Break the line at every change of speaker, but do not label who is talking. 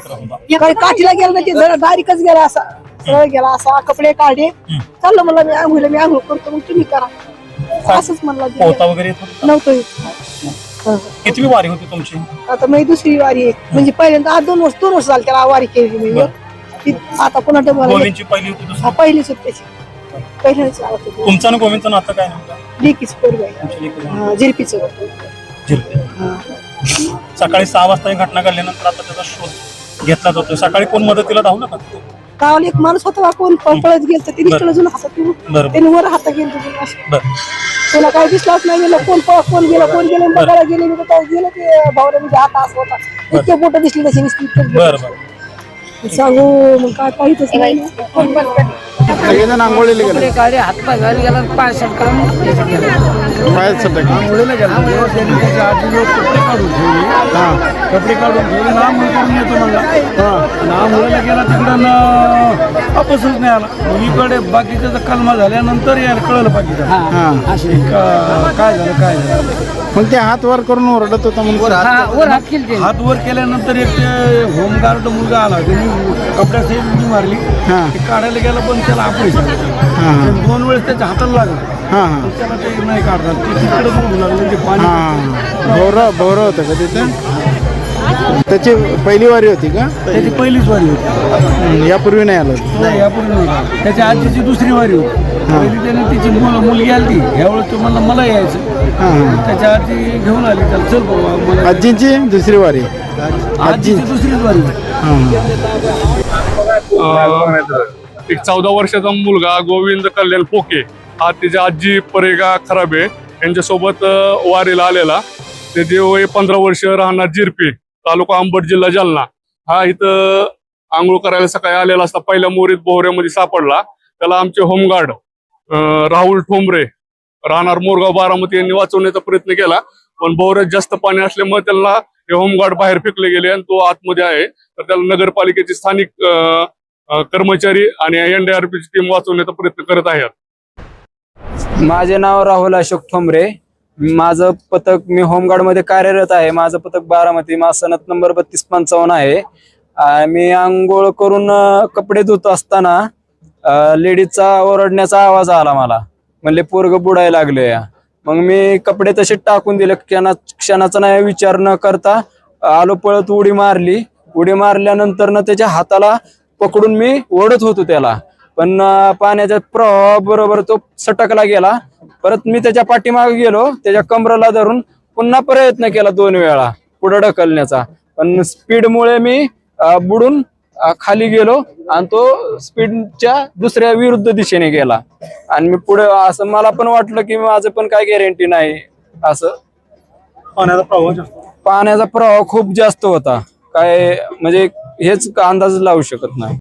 करत होता?
काही काठीला गेला ना ते जरा डायरेक्टच गेला असा सरळ गेला असा कपडे काढले चाललं म्हणलं मी आंघोळ करतो मग तुम्ही करा असंच म्हणलं
पोहता वगैरे येत होता?
नव्हतं येत.
कितवी वारी होती तुमची?
आता मी दुसरी वारी आहे म्हणजे पहिल्यांदा आज 2 वर्ष झाली त्याला वारी केली मी आता पुन्हा डबल
गोविंदची पहिली होती दुसरी?
पहिलीच होती त्याची पहिल्याच आवडत होती
तुमचं आणि गोविंदचं नातं काय नव्हतं?
लेकीच पोरग झिरपीच
सकाळी 6 वाजता ही घटना घडल्यानंतर आता त्याचा शोध घेतला जातो. सकाळी कोण मदतीला धावलं का?
गावाला एक माणूस होता कोण पळत गेलं ते दिसलं अजून हातात त्याने वर हातात गेलं त्याला काय दिसलाच नाही गेलं कोण गेलं बघायला गेले मी काय गेलं ते भावना म्हणजे हात असं होता इतके बोट दिसली तशी नुसती सांगू मग काय पाहिजेच नाही
सगळेजण आंघोळीला गेले
गाडी हातपाय घाली गेला पाय सटका
पायात सटक
आंघोळीला गेला त्यांनी त्याच्या आधी कपडे काढून ठेवले कपडे काढून ठेवले ना आंघोळ करून येतो म्हणला आंघोळीला गेला तिकडं वापसच नाही आला मुलीकडे बाकीच्या कलमा झाल्यानंतर यायला कळलं बाकीचं काय झालं
मग ते हात वर करून ओरडत होता म्हणून
हात वर केल्यानंतर एक ते होमगार्ड मुलगा आला त्यांनी कपड्याची उडी मारली ते काढायला गेला पण त्याला आपण 2 वेळेस त्याच्या हाताला लागला त्याला ते नाही काढणार ते तिकडे उडू लागलं म्हणजे पाणी
भोवरं होतं का तिथे त्याची पहिली वारी होती का?
त्याची पहिलीच वारी होती
यापूर्वी नाही आलं
नाही यापूर्वी नाही त्याच्या आजीची दुसरी वारी होती पहिली त्याने तिची मुलगी आली ह्यावेळेस तो म्हणला मला यायचं त्याच्या आजी घेऊन आली त्याला चल बाबा मला
आजीची दुसरी वारी
आजीची दुसरीच वारी
एक 14 वर्षाचा मुलगा गोविंद कल्याण पोके हा त्याच्या आजी परेगा खराबे यांच्यासोबत वारीला आलेला. त्याचे वय 15 वर्ष राहणार जिरपी तालुका अंबड जिल्हा जालना. हा इथं आंघोळ करायला सकाळी आलेला असता पहिल्या मोरीत बोहऱ्यामध्ये सापडला. त्याला आमचे होमगार्ड राहुल ठोंबरे राहणार मोरगाव बारामती यांनी वाचवण्याचा प्रयत्न केला पण बोहऱ्यात जास्त पाणी असल्यामुळे त्यांना हे होमगार्ड बाहेर फेकले गेले आणि तो आतमध्ये आहे. तर त्याला नगरपालिकेचे स्थानिक कर्मचारी आणि NDRPची टीम वाचवण्याचा प्रयत्न करत आहेत.
माझे नाव राहुल अशोक ठोंबरे. माझं पथक मी होमगार्ड मध्ये कार्यरत आहे. माझं पथक बारामती माझा सनद नंबर 3255 आहे. मी आंघोळ करून कपडे धुत असताना लेडीजचा ओरडण्याचा आवाज आला मला म्हणले पोरग बुडायला लागले. मग मी कपडे तसे टाकून दिले क्षणाचा नाही विचार न करता आलो पळत उडी मारल्यानंतर ना त्याच्या हाताला पकडून मी ओढत होतो त्याला पण पाण्याच्या प्रवाह बरोबर तो सटकला गेला. परत मी त्याच्या पाठीमागे गेलो त्याच्या कमरेला धरून पुन्हा प्रयत्न केला 2 वेळा पुढे ढकलण्याचा पण स्पीडमुळे मी बुडून खाली गेलो आणि तो स्पीडच्या दुसऱ्या विरुद्ध दिशेने गेला आणि मी पुढे असं मला पण वाटलं की माझं पण काय गॅरंटी नाही. असं पाण्याचा प्रवाह खूप जास्त होता काय म्हणजे हेच अंदाज लावू शकत नाही.